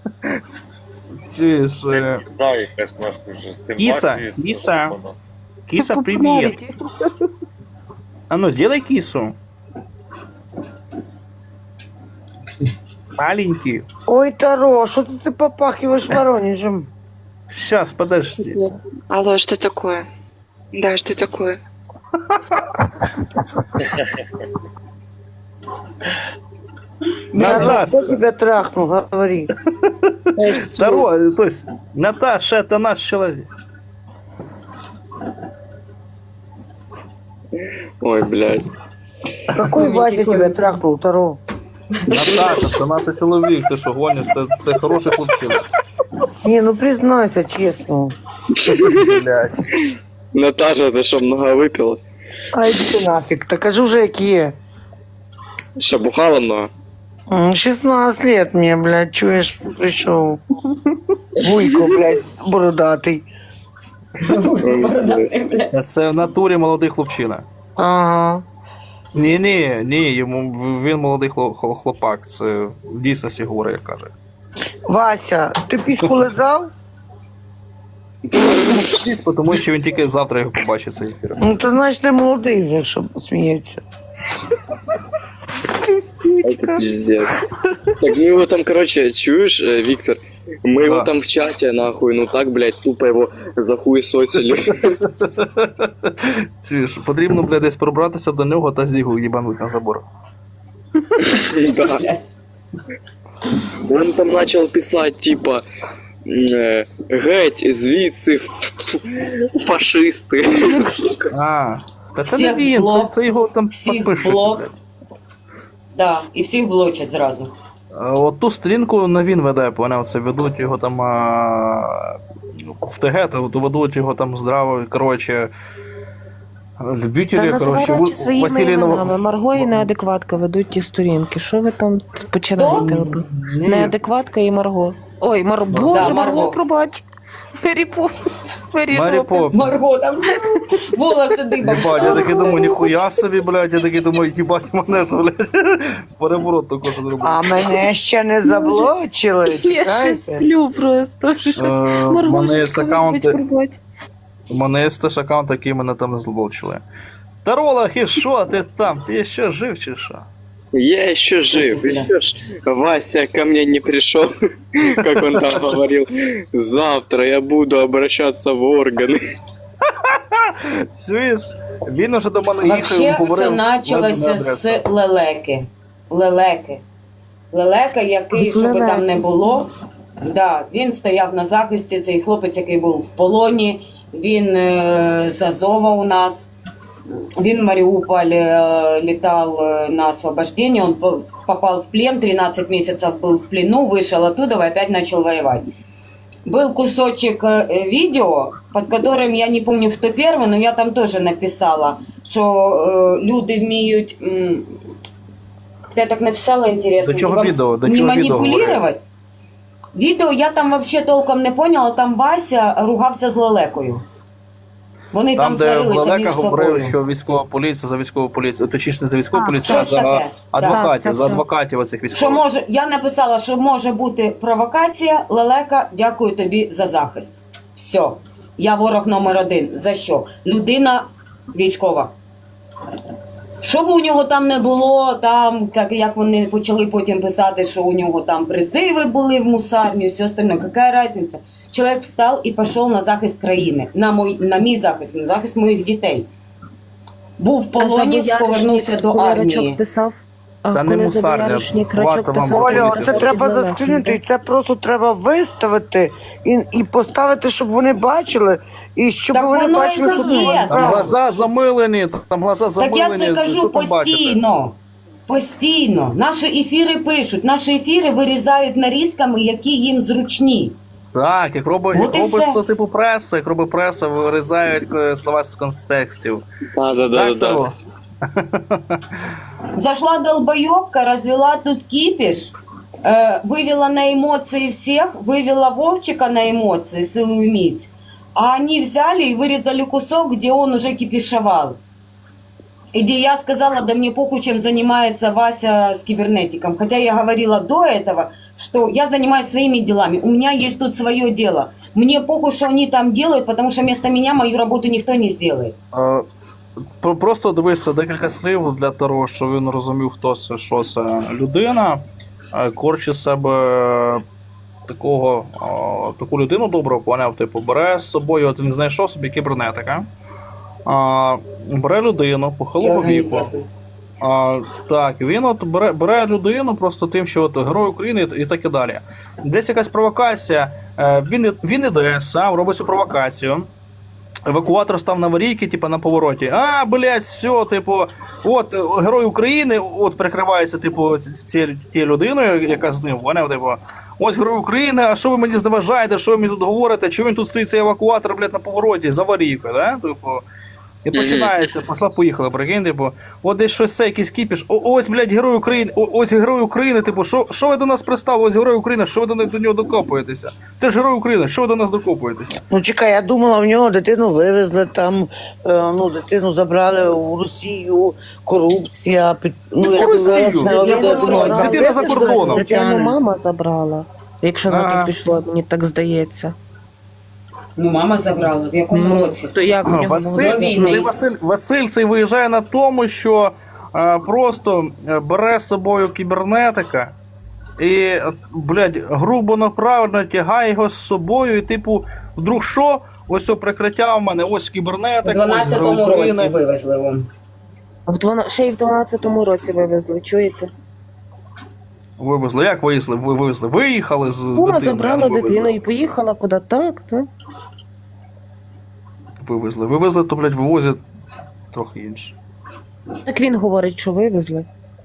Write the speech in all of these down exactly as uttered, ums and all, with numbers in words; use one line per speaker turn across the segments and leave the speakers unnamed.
Чуєш? е,
Не знаю, якась нахуй вже з тим
Кіса,
партією,
кіса.
воно.
Киса, привет. А ну, сделай кису. Маленький.
Ой, Таро, что ты попахиваешь Воронежем?
Сейчас, подожди.
Алло, что такое? Да, что такое?
Таро,
Наташа.
кто тебя трахнул, говори.
Второй, то есть, Наташа, это наш человек.
Ой, блядь.
Какой Вася тебя трахнул, Таро?
Наташа, це наш чоловік, ти що гониш, це, це хороший хлопчина.
Не, ну признайся честно.
Блять.
Наташа, ты что, много выпила?
А иди ты нафиг, так кажу же, какие.
Что, бухала много?
М, шестнадцать лет мне, блядь, чуешь, пришел. Вуйко, блядь, бородатый.
Це в натурі молодий хлопчина.
Ага.
Ні, ні, ні, йому він молодий хло- хло- хлопак. Це в дійсності говорить, як каже.
Вася, ты письку лизал?
Звісно, тому що він тільки завтра його побачить цей ефір.
Ну, ты значит, ты молодый уже, чтобы смеяться.
Это пиздец. Так мы его там, короче, чуешь, э, Виктор? Мы его
Да.
там в чате, нахуй, ну так, блядь, тупо его захуесосили.
Чуєш, потрібно, блядь, десь пробратися до нього та зігу їбануть на забор.
Да. Он там начал писать, типа, э, геть, звідси, фашисти.
А, та це не
Всіх
він, це,
блок.
це його там
Всіх
підпишуть.
блок.
блядь.
Да, і всіх блочать зразу.
А От ту стрінку не він веде, поняв, це ведуть його там а, в ТГ, то то ведуть його там здраво, коротше, любителі,
Та
коротше,
називай речі
Ви-
своїми
Василій
іменами.
Нов...
Марго і неадекватка ведуть ті сторінки. Що ви там починаєте?
Ні,
Неадекватка і Марго. Ой, Мар... Боже,
Да,
Марго,
Марго.
пробач. Мері Поп. Мері
Марі
Поппінс.
Поп.
Марго там волоси дибом.
Єбать, я такий думаю, ніхуя собі, блядь, я такий думаю, їбать мене, що, блядь, переворот також зробив.
А мене ще не заблочили,
Я ще
чекайте.
сплю просто.
Е, У
Марго,
мене є
що
аккаунти,
пробач.
у мене є теж аккаунт, який мене там не злобочили. Таролах, і що ти там? Ти ще жив чи що?
Я еще жив, еще ж Вася ко мне не пришел, как он там говорил. Завтра я буду обращаться в органы.
Чуєш? Він уже до мене їхав і
Вообще
говорив.
все почалося з лелеки. Лелеки. Лелека, який,
З
що би там
лелеки.
не було, да, він стояв на захисті, цей хлопець, який був в полоні, він е, з Азова у нас. Він в Мариуполь э, летал э, на освобождение, он по- попал в плен, тринадцать месяцев был в плену, вышел оттуда и опять начал воевать. Был кусочек э, видео, под которым, я не помню, кто первый, но я там тоже написала, что э, люди вміють... м, Я так написала, интересно.
До чого
вам
відео? До
не
чого відео
манипулировать? Відео я там вообще толком не поняла, там Вася ругався з Лелекою. Вони там,
Там, де
сварилися між
Лелека говорив,
собою.
що військова поліція за військову поліцію, точніше не за військову
А,
поліцію, а
щось
за
таке.
адвокатів,
Так,
за
так,
адвокатів оцих
Що
військових.
може, я написала, що може бути провокація. Лелека, дякую тобі за захист. Все. Я ворог номер один. За що? Людина військова. Що б у нього там не було, там, як, як вони почали потім писати, що у нього там призиви були в мусарню, все остальне, яка різниця? Чоловік встав і пішов на захист країни, на, мой, на мій захист, на захист моїх дітей. Був в
А
полоні,
Забояришник,
повернувся до
коли
армії.
Рачок писав, а
Та не
коли
мусарня,
Забояришник
варто
Рачок
вам
писав...
Оля,
Поліція.
це треба
Лелека.
заскрінити, і це просто треба виставити і, і поставити, щоб вони бачили, і щоб
Так
вони
воно і
бачили, що
є.
тут
Там
справа.
глаза замилені, там глаза
Так
замилені.
я це
що
кажу
там бачите?
постійно. Постійно. Наші ефіри пишуть, наші ефіри вирізають нарізками, які їм зручні.
Так, як робить,
От
як
і
робить
все.
типу преса, як робить преса, вирізають е, слова з контекстів.
Да, да, да,
Так,
да.
Таро?
Зашла долбоебка, развела тут кипиш, э, вывела на эмоции всех, вывела Вовчика на эмоции, целую мить. А они взяли и вырезали кусок, где он уже кипишевал. И где я сказала, да мне похуй, чем занимается Вася с кибернетиком. Хотя я говорила до этого, что я занимаюсь своими делами, у меня есть тут свое дело. Мне похуй, что они там делают, потому что вместо меня мою работу никто не сделает.
Е, про- Просто дивися декілька слів для того, щоб він розумів, хто це, що це людина. Е, Корчить з себе такого, о, таку людину добру, поняв, типу, бере з собою, от він знайшов собі кібернетика, а, бере людину похилого віку.
Организатор.
А, так, він от бере, бере людину просто тим, що от герой України і, і так і далі. Десь якась провокація, е, він, і- він іде сам, робить цю провокацію. Евакуатор став на аварійки, типу, на повороті. А, блядь, все, типу, от е, герой України, от прикривається, типу, ці- ці- тією людиною, яка з ним, поняв, типу, ось герой України, а що ви мені зневажаєте, що ви мені тут говорите, чого він тут стоїть цей евакуатор, блядь, на повороті, з аварійкою, да? Типу, і починається, пошла, поїхала, прикинь, типу, от десь щось це, якийсь кіпіш, о, ось, блядь, герой України, о, ось герой України, типу, що, що ви до нас пристали, ось герой України, що ви до, до нього докопуєтеся? Це ж герой України, що ви до нас докопуєтеся?
Ну чекай, я думала, в нього дитину вивезли там, е, ну дитину забрали у Росію, корупція, під... ну я
Росію?
думала, це
Дитина
я думала, там
Дитина за
вивезли
кордоном.
Дитину
дитяни.
мама забрала. Якщо на
А.
то пішло, мені так здається.
Ну, мама забрала, в якому
Ну,
році?
то як в нього
Василь,
до війни.
цей Василь, Василь цей виїжджає на тому, що е, просто е, бере з собою кібернетика і, е, блядь, грубо направлено тягає його з собою, і типу, вдруг що? Ось о прикриття в мене, ось
У
кібернетик, ось герой
дванадцятому році
України.
вивезли вам.
В двана... Ще й в дванадцятому році вивезли, чуєте?
Вивезли. Як вивезли? Ви вивезли? Виїхали з, з
Мама
дитиною,
забрала
а не вивезли.
дитину і поїхала куди так, так.
Вивезли. Вивезли, то, блядь, вивозять трохи інше.
Так він говорить, що вивезли.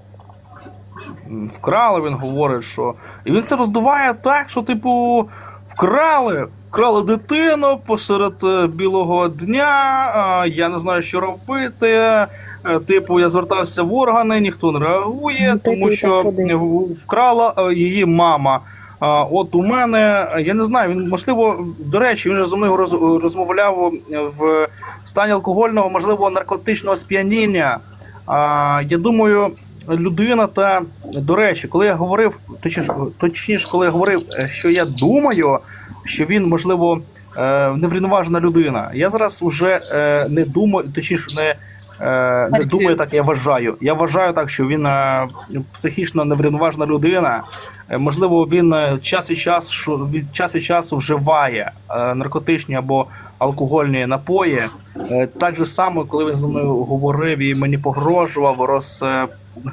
М, Вкрали, він говорить, що. І він це роздуває так, що, типу, вкрали, вкрали дитину посеред е, білого дня, а, я не знаю, що робити. е, Типу, я звертався в органи, ніхто не реагує,
Ну, так
тому
і
що
так ходить.
в- вкрала е, її мама. А, От у мене, е, я не знаю, він, можливо, до речі, він же зі мною роз- розмовляв в стані алкогольного, можливо, наркотичного сп'яніння. А, Я думаю, людина та, до речі, коли я говорив, точніше, точніше, коли я говорив, е, що я думаю, що він, можливо, е, неврівноважена людина, я зараз уже е, не думаю, точніше, не, е, не думаю так, я вважаю. Я вважаю так, що він е, психічно неврівноважена людина. Е, Можливо, він е, час від часу, від час від часу вживає е, наркотичні або алкогольні напої. Е, Так же само, коли він зі мною говорив і мені погрожував, роз, е,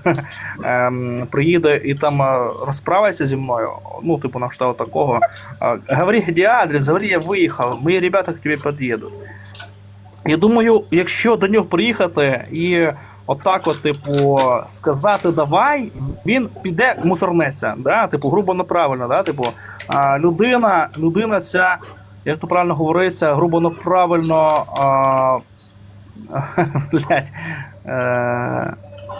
ем, приїде і там е, розправиться зі мною, ну, типу, на кшталт такого. Е, Говори, де адрес, говори, я виїхав, мої ребята к тебе під'їдуть. Я думаю, якщо до нього приїхати і отак, от, типу, сказати давай, він піде мусорнеться, да? Типу, грубо неправильно, да? Типу, а, людина, людина ця, як то правильно говориться, грубо неправильно, а, блядь, е,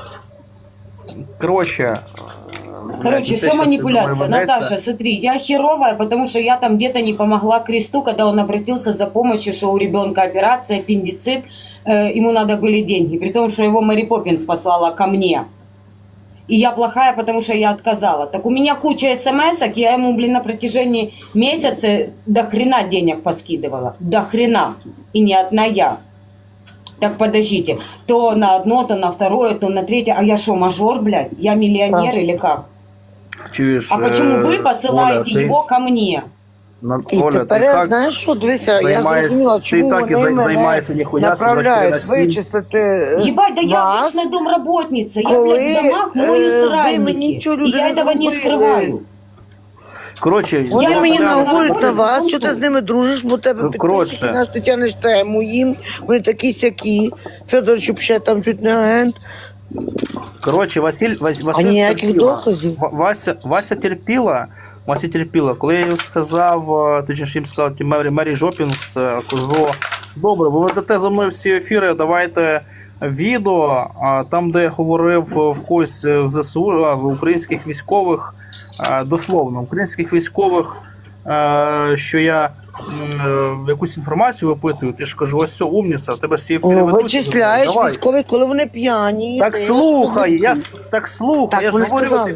коротше,
Короче, все манипуляция. Наташа, смотри, я херовая, потому что я там где-то не помогла Кресту, когда он обратился за помощью, что у ребенка операция, аппендицит, э, ему надо были деньги, при том, что его Мэри Поппинс послала ко мне. И я плохая, потому что я отказала. Так у меня куча смс-ок, я ему, блин, на протяжении месяца до хрена денег поскидывала. До хрена. И не одна я. Так подождите, то на одно, то на второе, то на третье. А я что, мажор, блядь? Я миллионер или как?
Чуєш,
А почему
е,
вы посылаете
Оля, ти-
его ко мне?
на-
І
Оля, ти
тепер,
так
знаєш що, дивися, я
займаєшся-
зрозуміла,
ти
чому
так і
вони
зай-
мене
займаєшся ніхуя собі
направляють
на сім.
вичислити е,
Ебать, да я
вас,
обычная домработница. Я,
коли,
блядь, в домах мою
е, ви
сральники.
мені цю
И
людину
я этого не
зробили.
скрываю.
Коротше,
Вони
Я
мені
розумію,
наговорять
що
на
це
вас,
за
що ти
пункт.
з ними дружиш, бо тебе
Ну,
підписчики
коротше.
наш ти тянеш тему їм, вони такі сякі, Федор Чупше там чуть не агент,
Коротше, Василь, Вась,
а
Василь
ніяких
терпіла.
доказів.
Ва- Вася, Вася терпіла, Вася терпіла. Коли я їй сказав, е, точніше їм сказав, ті Мері, Мері Жопінгс, е, кажу, добре, ви ведете за мною всі ефіри, давайте відео, а, там, де я говорив в когось е, в ЗСУ, а, в українських військових, е, дословно, українських військових, е, що я м, е, якусь інформацію випитую, ти ж кажу, ось все, умніця, в тебе всі ефіри
Ну,
ведуть.
вичисляєш
Давай.
військових, коли вони п'яні.
Так
ти
слухай,
слухай.
я с- так слухай,
Так,
я ж
вони
говорю,
сказали.
типу,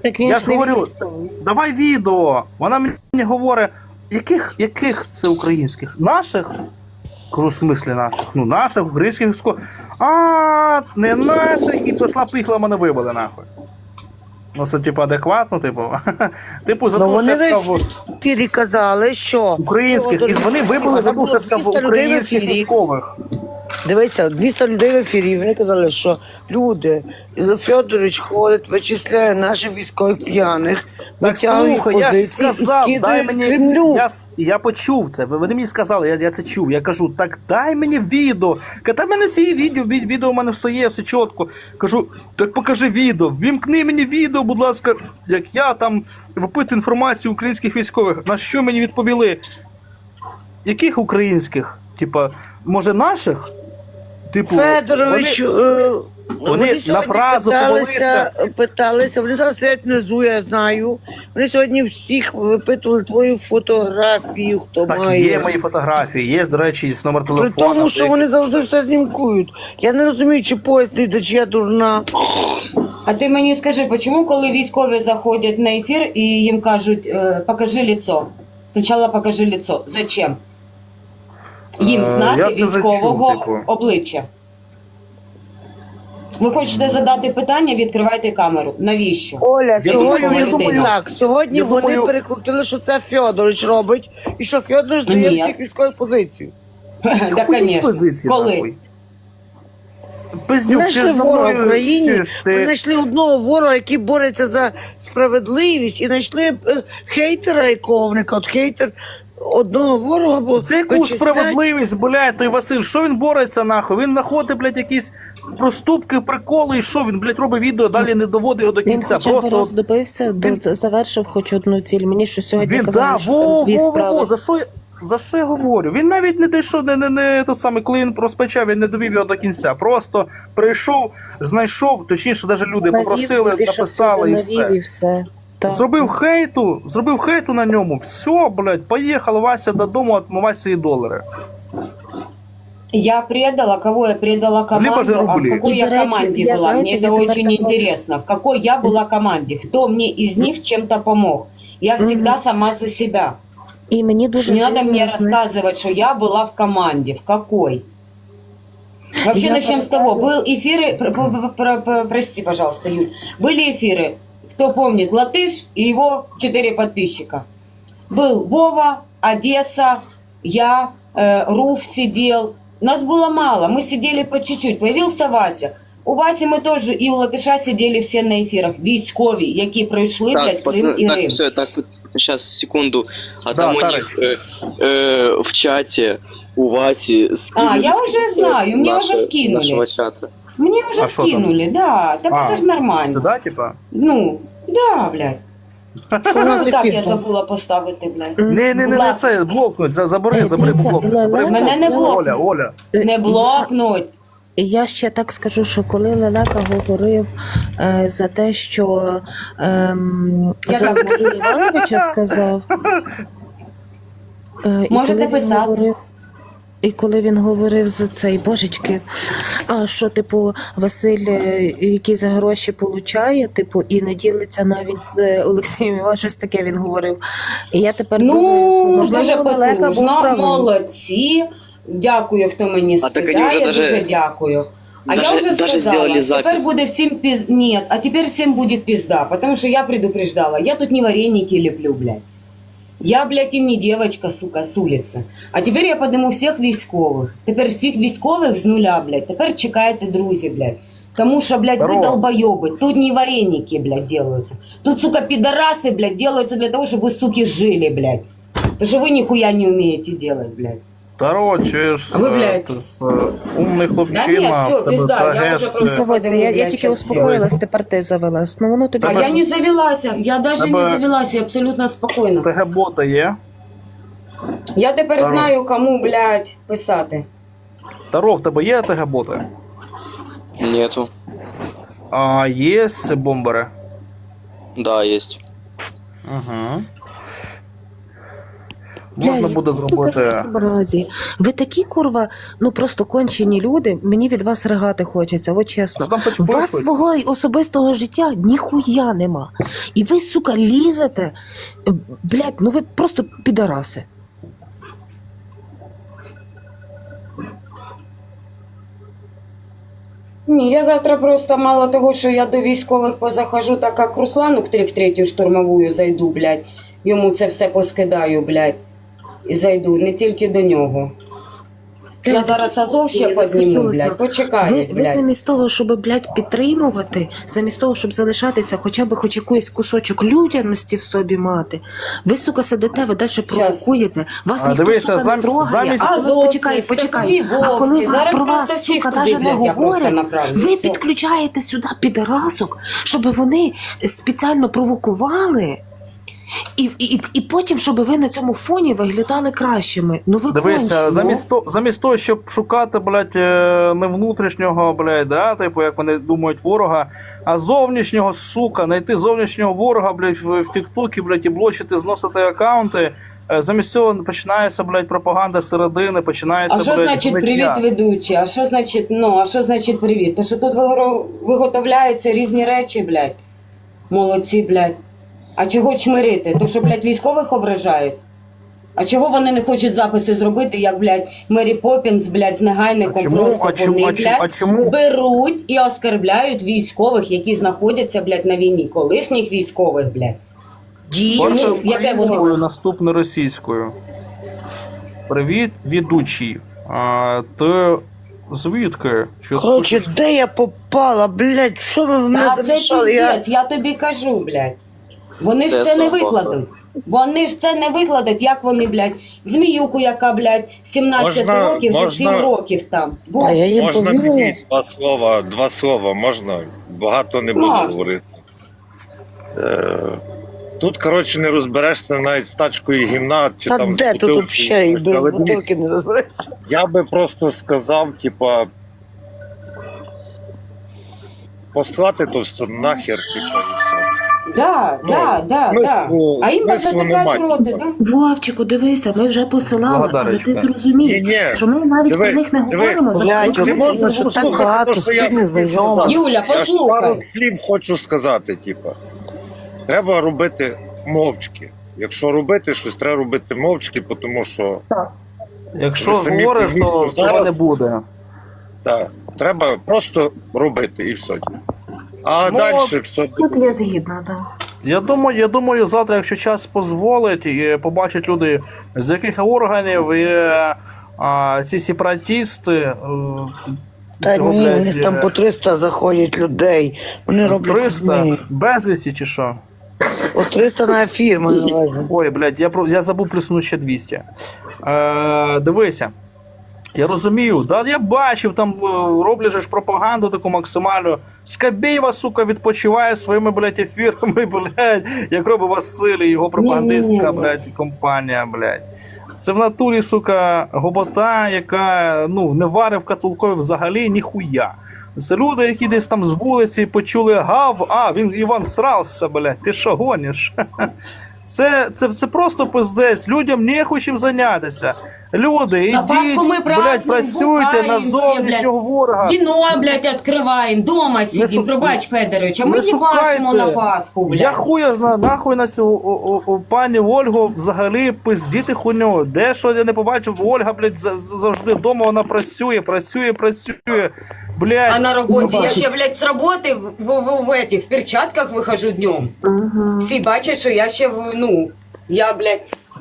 Так він
Я
ж
ж
не
говорю,
військовий.
давай відео. Вона мені говорить, яких, яких це українських? Наших? Кажу, в смислі наших? Ну, наших, українських військових. А, не наші, які пішла, поїхала, мене вибили, нахуй. Ну, це, типу, адекватно, типу. Типу, за
Ну,
те, що
вони
я сказав
в ефірі казали, що
українських, і вони вибили за те, що я сказав
двісті людей в
українських
ефірі.
військових.
Дивіться, двісті людей в ефірі, вони казали, що люди, Федорович ходить, вичисляє наших військових п'яних,
Так
витягує їх
слухай, я ж
позиції і
сказав, дай
скидає
мені.
Кремлю.
Я, с- я почув це. Ви вони мені сказали, я, я це чув. Я кажу, так дай мені відео. Та в мене всі є відео, ві- відео в мене все є, все чітко. Кажу, так покажи відео, ввімкни мені відео, будь ласка, як я там випитую інформацію українських військових. На що мені відповіли? Яких українських? Типа, може наших? Типу,
Федорович,
вони-
е,
вони на
сьогодні
фразу
питалися, питалися, вони зараз сидять внизу, я знаю. Вони сьогодні всіх випитували твою фотографію, хто
Так,
має.
є мої фотографії, є, до речі, є номер
При
телефону.
тому, що вони завжди все знімкують. Я не розумію, чи поїзд не йде, чи я дурна.
А ти мені скажи, чому коли військові заходять на ефір і їм кажуть, е, покажи лицо. Спочатку покажи лицо. Зачем? Їм
Е,
знати
я це
військового
зачув, типу.
обличчя. Ви хочете задати питання, відкривайте камеру. Навіщо?
Оля,
Я
сьогодні
думаю, людина.
так, сьогодні
Я
вони
думаю-
перекрутили, що це Фьодорович робить, і що Фьодорович дає
Ні.
всіх військових позицій.
Да,
Хуї
звісно.
позиції,
Коли?
нахуй. Пиздюк,
Ми
ти
знайшли
ж за
ворога в
мною
Україні,
чуєш,
ми
ти-
знайшли одного ворога, який бореться за справедливість, і знайшли е, хейтера яковника. От хейтер одного ворога, бо
Це яку
вичисляють-
справедливість, блядь, той Василь, що він бореться нахуй? Він знаходить, блядь, якісь проступки, приколи, і що він, блядь, робить відео, далі не доводить його до
Він
кінця.
хоча б
Просто
раз добився, до-
він-
завершив хоч одну ціль. Мені що сьогодні
він,
казали,
да,
що
во,
там дві
во, во,
справи.
во, за що я, за що я говорю? Він навіть не дійшов, не, не, не, те саме, коли він розпочав, він не довів його до кінця. Просто прийшов, знайшов, точніше, навіть люди
Навів,
попросили,
більше
написали і
всього навів,
все.
і все. Так.
Зробив хейту, зробив хейту на ньому. Все, блядь, поїхав Вася додому, отмивати свої долари.
Я предала, кого я предала
Либо
команду,
же
а в
рубли.
какой
И,
я
до речи,
команде
я,
была.
знаете,
Мне
я
это
теперь
очень
так вас-
интересно. В какой я была команде, кто мне из них чем-то помог. Я всегда сама за себя.
І мені дуже
Не надо
дивно,
мне
знаєш,
рассказывать, что я была в команде. В какой? Вообще
Я
начнем с того. Был эфиры, про- про- про- про- прости, пожалуйста, Юль. Были эфиры, кто помнит, Латыш и его четыре подписчика. Был Вова, Одесса, я, э, Руф сидел. Нас было мало, мы сидели по чуть-чуть. Появился Вася. У Васи мы тоже и у Латыша сидели все на эфирах. Військові, які пройшли, блядь,
Так,
Крим
пацаны,
і
так,
Рим.
все, так, сейчас, секунду. А
Да,
там у
Тарыч.
них э, э, в чате у Васи скинули
А, я уже
скриншот
знаю, мне
наше-
уже скинули.
нашего чата.
Мне уже
А шо там?
скинули, да. Так
А,
это же нормально.
Сюда, типа?
Ну, да, блядь.
Що у нас
Ну, так,
ефір
я
там?
забула поставити, блядь.
м,
Не, не, не, не
Ладно.
це, блокнуть, за- забери,
Е,
забери,
дивіться,
блокнуть. Забери,
Лелека-
Мене не блокнуть.
Оля, Оля.
е,
Не блокнуть.
Я ще так скажу, що коли Лелека говорив е, за те, що ем,
Я
за
так
Олексія Івановича сказав, е, і
Можете
коли він
писати.
говорив, і коли він говорив за цей божечки, а що, типу, Василь, е, який за гроші получає, типу, і не ділиться навіть з Олексієм Івановичем, щось таке він говорив. І я тепер думаю,
Ну,
можливо,
дуже
Лелека був
потужно,
правий.
молодці. Дякую, хто мені
А так
скидає,
они уже даже-
дуже дякую. А
даже-
я уже
даже
сказала,
сделали
теперь
запись.
буде всім пиз... Нет, а теперь всем будет пизда, потому что я предупреждала. Я тут не вареники леплю, блядь. Я, блядь, им не девочка, сука, с улицы. А тепер я подниму всіх військових. Тепер всіх військових з нуля, блядь. Тепер чекайте, друзі, блядь. Тому що, блядь, ви
Здорово.
долбоёбы. Тут не вареники, блядь, делаются. Тут, сука, пидорасы, блядь, делаются для того, чтобы вы, суки, жили, блядь. Потому что вы нихуя не умеете делать, блядь.
Таро, чуєш,
А ви,
е,
блядь.
ти з, е, умний
Да
хлопчина,
ні, все,
в тебе
пізда, я
трагеш,
вже
е,
просто-
Заводься, я, я
Блядь,
тільки
щас
успокоїлась, тепер ти завелась. Ну воно тобі
А
Тебе
я
ж-
не завелася, я даже
Тебе-
не завелася, я абсолютно спокійна.
ТГ-бота є?
Я тепер
Таро.
знаю, кому, блядь, писати.
Таро, в тебе є ТГ-боти?
Нету.
А є бомбери?
Да, есть.
Угу. Можна
Бля,
буде
які
зробити.
ви безобразі. Ви такі, курва, ну просто кончені люди, мені від вас ригати хочеться, от чесно.
Що там хоч
У вас
пишуть?
свого особистого життя ніхуя нема. І ви, сука, лізете. Блядь, ну ви просто підараси.
Ні, я завтра просто мало того, що я до військових позахожу, так як Руслану к три- в третю штурмовую зайду, блядь. Йому це все поскидаю, блядь. І зайду, не тільки до нього. Я
Блядь,
зараз Азов ще
я
підніму,
зацепилася.
блядь, почекай,
Ви, ви
блядь.
замість того, щоб, блядь, підтримувати, замість того, щоб залишатися, хоча б хоч якийсь кусочок людяності в собі мати, ви, сука, сидите, ви далі провокуєте, вас
А,
ніхто,
дивися,
сука,
зам-
не трогає.
замість-
А,
Азовці,
почекай, почекай.
степові
А коли
вовки.
вам
Зараз
про
просто
вас,
всіх
сука,
туди,
навіть не
блядь, я просто
говорять,
направлю.
ви
Все.
підключаєте сюди підарасок, щоб вони спеціально провокували, і, і, і потім, щоб ви на цьому фоні виглядали кращими. Ну ви
Дивися,
кончені.
замість, то, замість того, щоб шукати, блядь, е, не внутрішнього, блядь, да, типу, як вони думають, ворога, а зовнішнього, сука, знайти зовнішнього ворога, блядь, в, в Тіктокі, блядь, і блочити, зносити аккаунти. Е, Замість цього починається, блядь, пропаганда середини, починається,
А що
блядь,
значить
гниття.
привіт ведучий? А що значить, ну, а що значить привіт? То що тут вигоро- виготовляються різні речі, блядь. Молодці, блядь. А чого чмирити? То що, блядь, військових ображають? А чого вони не хочуть записи зробити, як, блядь, Мері Поппінс, блядь, з
А
негайником
чому,
просто
а чому,
вони,
а чому, а
блядь,
чому?
беруть і оскарбляють військових, які знаходяться, блядь, на війні. Колишніх військових, блядь.
Дійсно.
Перше
Чому? Яке вони?
українською, наступне російською. Привіт, ведучий. А, ти звідки? Що ти
Коротше,
хочеш?
де я попала, блядь, що ви в мене
Та це
замішали? Я...
піздець, я тобі кажу, блядь. Вони ж
Де
це не
собака?
викладуть. Вони ж це не викладуть, як вони, блядь, зміюку, яка, блядь, сімнадцять
Можна-
років, вже
можна-
сім років там. Бо
А я їм
Можна
повірила.
мені два слова, два слова, можна? Багато не буду
Можна.
говорити. Е, Тут, коротше, не розберешся навіть з тачкою гімна чи
Та
там з
де тут
бутилкою
взагалі, і
якоюсь.
без
Але
бутилки
дивіться,
не розберешся.
я би просто сказав, типа, послати то все нахер, типа, і все.
да,
Ну,
да, да, да.
смислу-
А їм
смислу
затикають
немає.
роти, да?
Вовчику, дивися, ми вже посилали, але
Благодарочка.
ти зрозумій,
Ні-ні,
що ми навіть
дивись,
про них не
дивись,
говоримо. за
блядь,
кілька
Ти
Тому
можеш
що так
послухати
багато
те, що я
спільних
хотів
знайомих.
сказати.
Юля,
Я ж пару
послухай.
слів хочу сказати, типа. Треба робити мовчки. Якщо робити щось, треба робити мовчки, тому що
Якщо
Ви самі
говориш, то
розумієте,
цього
зараз-
не буде.
так, треба просто робити і все. А
Ну,
далі все
Тут я згідна, так.
Я думаю, я думаю, завтра, якщо час дозволить, і побачать люди, з яких органів є а, ці сепаратісти. е,
Та
цього,
ні,
блядь,
у них там
е,
по триста заходять людей. Вони роблять
триста
людьми.
безвісті чи що?
По триста на ефір, маю на увазі.
Ой, блядь, я, про- я забув плюснути ще двісті. Е, дивися. Я розумію, да, я бачив, там е, роблять же ж пропаганду таку максимальну. Скабєєва, сука, відпочиває своїми, блядь, ефірами, блядь, як робить Василь і його пропагандистська,
Ні-ні-ні.
блядь, компанія, блядь. Це в натурі, сука, гобота, яка, ну, не варить в котелкові взагалі ніхуя. Це люди, які десь там з вулиці почули гав, а, він Іван срався, блядь, ти що гониш? Це, це, це просто пиздець, людям не чим зайнятися. Люди,
На Пасху
ідіть,
ми
блядь,
празднуємо,
працюйте на
бухаємося,
зовнішнього ворога.
Віно, блядь, відкриваємо, дома сидимо,
шук-
пробач, Федорович, а ми
не
не бачимо
шукайте.
на Пасху, блядь.
Я хуя знаю, нахуй на цю о, о, о, пані Ольгу взагалі пиздіти хуйню. Де що я не побачив, Ольга, блядь, за- за- завжди вдома вона працює, працює, працює. Блядь.
А на роботі я
бачить.
ще, блядь, з роботи в, в, в, в, этих, в перчатках вихожу днем.
Угу.
Всі бачать, що я ще, в- ну, я, блядь,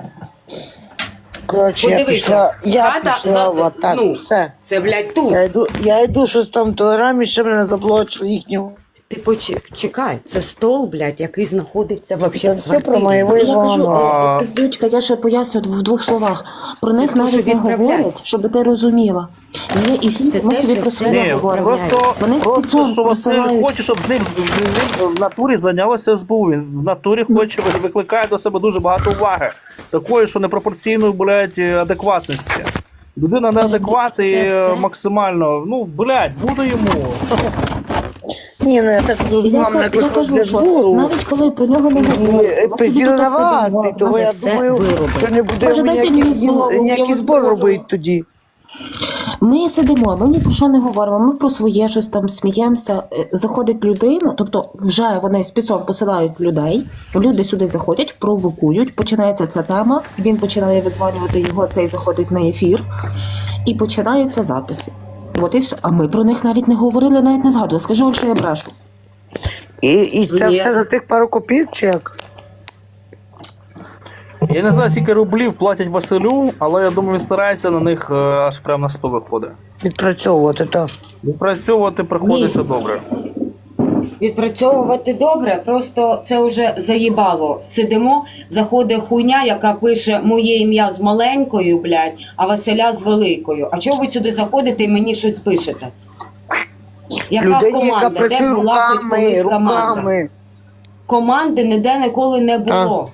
Коротше, я
Подивися.
пішла, я
Хата
пішла
за-
в атаку,
ну.
все.
це, блядь, тут.
Я йду, я йду щось там в телеграмі, ще мене заблочили їхнього.
Ти почекай, це стол, блядь, який знаходиться вообще
Це
в
все про
квартирі.
моєго
Я кажу,
Івана.
А-
пиздючка, я ще поясню в двох словах. Про
Це
них
те, що
навіть не
відправляють.
говорять, щоб ти розуміла. Є і фільм,
Це
ми
те,
собі
що
про
все
себе
Ні,
говоримо.
просто,
Вони
просто
спецом
що Василь
присилають.
хоче, щоб з ним, з ним в натурі зайнялося ес бе у. Він в натурі хоче, викликає до себе дуже багато уваги. Такої, що непропорційної, блядь, адекватності. Людина неадекват і
Це все?
максимально, ну, блядь, буде йому.
Ні, ну я так
Я,
розумію,
ка- я
наприклад,
кажу,
для
що
збору.
навіть коли про нього не говорять,
І приділи на вас, і того я думаю, що не буде
Може, дайте
ніякий,
мені слово, я
ніякий
вас
збор
проводжу.
робити тоді.
Ми сидимо, ми ні про що не говоримо, ми про своє щось там сміємося. Е, Заходить людина, тобто вже вони спецом посилають людей, люди сюди заходять, провокують, починається ця тема, він починає видзвонювати його, цей заходить на ефір, і починаються записи. От і все. А ми про них навіть не говорили, навіть не згадували. Скажи, от що я брешу.
І, і це
Ні.
все за тих пару копійок чи як?
Я не знаю, скільки рублів платять Василю, але я думаю, він старається на них е, аж прямо на сто виходить.
Відпрацьовувати, так.
Відпрацьовувати приходиться добре.
Відпрацьовувати добре, просто це вже заїбало. Сидимо, заходить хуйня, яка пише моє ім'я з маленькою, блядь, а Василя з великою. А чого ви сюди заходите і мені щось пишете? Яка
Людині, яка
команда? Де
працює
була хоч
руками,
колись команда?
руками.
Команди ніде ніколи не було.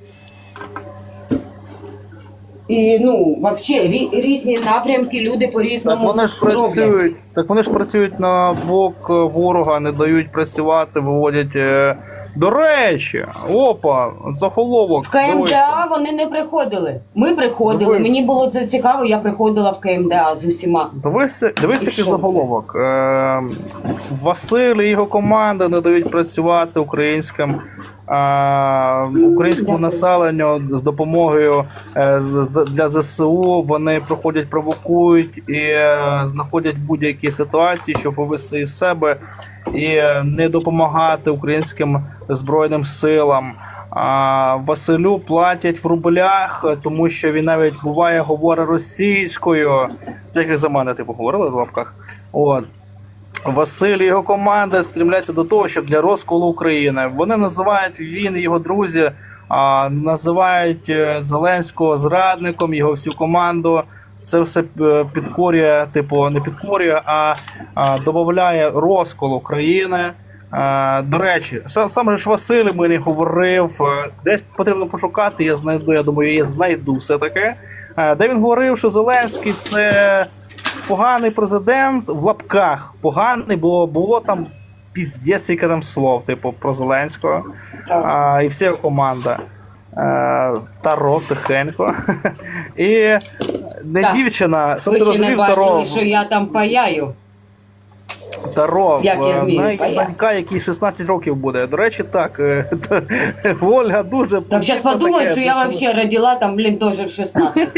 І ну, взагалі, різні напрямки, люди
Так
по-різному
вони ж
роблять.
працюють, так вони ж працюють на бок е, ворога, не дають працювати, виводять. е, До речі, опа, заголовок.
В
дивися.
КМДА вони не приходили. Ми приходили.
Дивись.
Мені було це цікаво, я приходила в КМДА з усіма.
Дивися, дивись,
І
який
що?
заголовок. Е, Василь і його команда не дають працювати українським, е, українському
Дякую.
населенню з допомогою е, з- з- для ЗСУ. Вони проходять, провокують і е, знаходять будь-які ситуації, щоб вивести із себе і е, не допомагати українським збройним силам. А Василю платять в рублях, тому що він навіть буває говорить російською. Так як за мене, типу, говорили в лапках. От. Василь і його команда стрімляться до того, щоб для розколу України. Вони називають, він і його друзі, а, називають е, Зеленського зрадником, його всю команду. Це все е, підкорює, типу, не підкорює, а, а додає розкол України. Е, До речі, сам, сам же ж Василь мені говорив, е, десь потрібно пошукати, я знайду, я думаю, я знайду все-таки, е, де він говорив, що Зеленський це поганий президент, в лапках поганий, бо було там піздець, скільки там слов, типу, про Зеленського, а, і вся його команда. Е, Таро, тихенько. І не
Так.
дівчина, щоб
Ви
ти
ще не
розумів, Таро.
бачили, що я там паяю.
Таро,
Як я
е,
вмію,
навіть
понятно.
донька, якій шістнадцять років буде. До речі, так, е, Ольга дуже...
Так зараз подумаю, що я взагалі родила там, блін, теж в шістнадцять.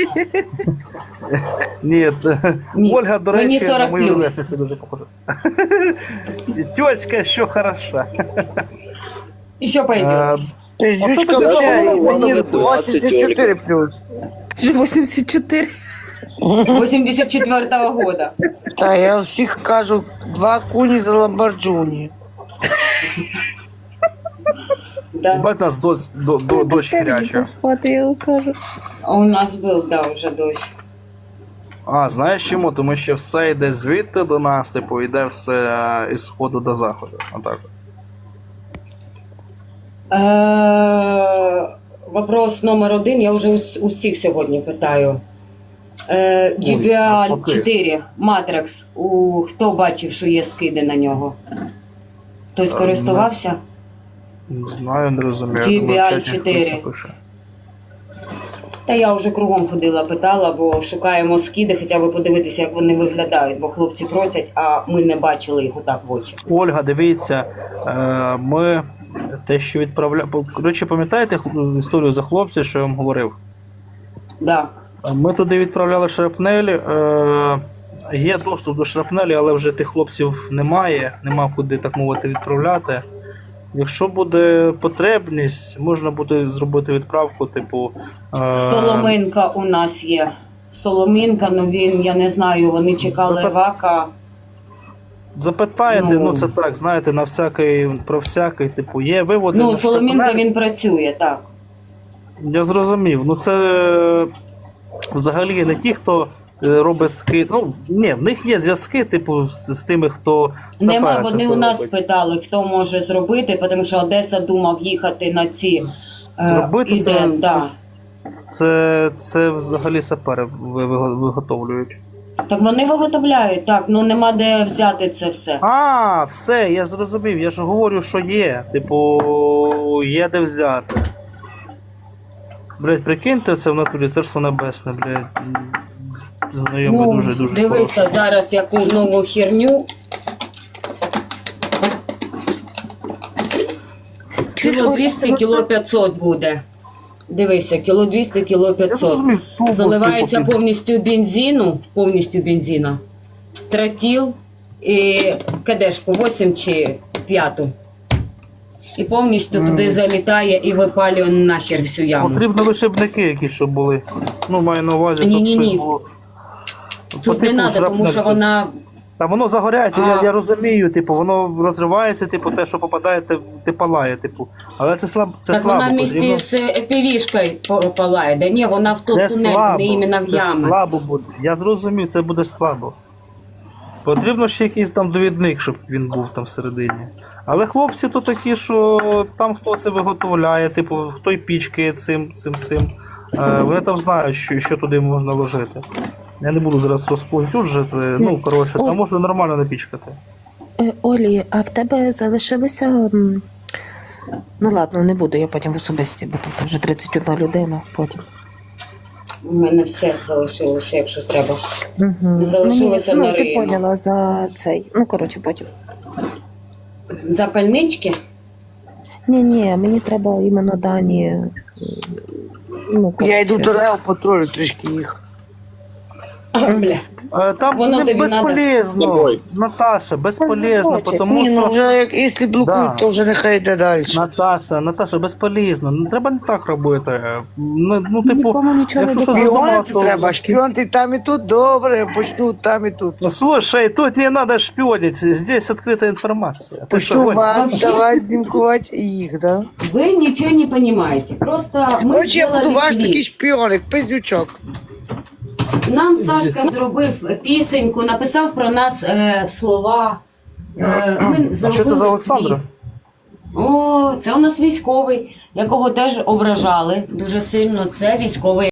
Ні, т-
Ні,
Ольга, до
мені
речі, на
сорок
мою
плюс.
ровесницю дуже похожа. Тьочка, що хороша.
І що
Е,
пойде?
Тобто,
Оце
Зючка
таке
вже
заголовок,
мені
вона двадцять,
двадцять чотири плюс.
вісімдесят чотири.
вісімдесят четвертого года.
Та я всіх кажу, два куні за ламборджуні.
Да.
Бать нас дощ, до, до, дощ хряча.
Спати, я вам кажу.
А у нас був, да, вже дощ.
А, знаєш чому? Тому що все йде звідти до нас, типу, йде все е, із сходу до заходу. Отак.
Е, Вопрос номер один, я вже ус- усіх сьогодні питаю. Е, джі бі ел
навпаки.
чотири, Matrix, у, хто бачив, що є скиди на нього? Хтось
Е,
користувався?
Не знаю, не розумію.
джі бі
Думаю, в
ел
чаті
чотири.
хтось напише.
Та я вже кругом ходила, питала, бо шукаємо скиди, хоча б подивитися, як вони виглядають, бо хлопці просять, а ми не бачили їх отак в очі.
Ольга, дивіться, е, ми те, що відправляємо. Коротше, пам'ятаєте хл- історію за хлопця, що я вам говорив?
Да.
Ми туди відправляли шрапнель. Е, є доступ до шрапнелі, але вже тих хлопців немає, нема куди, так мовити, відправляти. Якщо буде потребність, можна буде зробити відправку, типу. Е,
Соломинка у нас є. Соломинка, ну він, я не знаю, вони чекали
Запит-
вака.
Запитаєте,
Ну.
ну, це так, знаєте, на всякий, про всякий, типу, є виводи.
Ну,
на
Соломинка
шрапнель.
він працює, так.
Я зрозумів. Ну це е, взагалі не ті, хто е, робить скид. Ну, ні, в них є зв'язки, типу, з, з тими, хто сапера
Нема,
це
вони
все
у нас
робить.
питали, хто може зробити, тому що Одеса думав їхати на ці. е,
Зробити
іде,
це,
да.
це, це взагалі сапери ви- ви- виготовлюють.
Так вони виготовляють, так, ну нема де взяти це все.
А, все, я зрозумів. Я ж говорю, що є. Типу, є де взяти. Блять, прикиньте, це в натурі царство небесне, блять. Знайомий
Ну,
дуже дуже.
дивися
хороший.
зараз яку нову херню.
Чуєш,
Кіло
Оля,
двісті,
це-
кіло п'ятсот буде. Дивися, кіло двісті, кіло
Я
п'ятсот.
зрозумів, тубус,
Заливається
типу,
повністю бензину, повністю бензина, тротіл і кадешку вісім чи п'яту. І повністю туди залітає і випалює нахер всю яму.
Потрібно вишибники якісь, щоб були. Ну, маю на увазі, щоб
Ні-ні-ні.
щось було.
Тут
По
не
типу
треба, тому
шрапнель
що
щось.
вона.
Та воно загоряється,
А.
я, я розумію, типу, воно розривається, типу, те, що попадає, те, те палає, типу. Але це слаб, це
Так
слабо.
вона в
потрібно-
місті з півішкою палає. Да ні, вона в ту
Це
тунель,
слабо,
не іменно в
це
яму.
слабо буде. Я зрозумів, це буде слабо. Потрібно ще якийсь там довідник, щоб він був там всередині. Але хлопці то такі, що там хто це виготовляє, типу, хто й пічкає цим, цим, цим. Е, вони там знають, що, що туди можна ложити. Я не буду зараз розповсюджувати, ну, коротше,
Ой.
там можна нормально напічкати.
Е, Олі, а в тебе залишилися. м, Ну ладно, не буду я потім в особисті, бо тут вже тридцять одна людина потім.
У мене все залишилося, якщо треба.
Угу.
Залишилося
ну,
на
ти
Риї.
поняла за цей. Ну, коротше, потім.
Запальнички?
Ні, ні, мені треба іменно дані. м, Ну,
Я йду
коротше.
до Лео патрулю трішки їх.
Бля.
Е, Там
Воно
не
тобі
безполезно,
Тобой.
Наташа, безполезно,
захоче.
тому
Ні, ну
що...
вже як якщо блокують,
Да.
то вже нехай йде далі.
Наташа, Наташа, безполезно. Не треба не так робити. Ну, ну типу,
Нікому нічого не
якщо щось
доказує.
задумала,
Шпіонити
то...
треба, шпіонти там і тут добре, почнуть там і тут.
Ну, слушай, тут не надо шпионить, здесь открытая информация. Ты что,
Почну
Оль?
вас
Вообще-
давати знімкувати їх, да?
Ви нічого не розумієте. Просто ми
Короче, я буду
зробили
ваш
кліп.
такий шпіоник, пиздючок.
Нам Сашка зробив пісеньку, написав про нас е, слова. Е, ми
А що це
зробили
за Олександра?
кліп. О, це у нас військовий, якого теж ображали дуже сильно. Це військовий.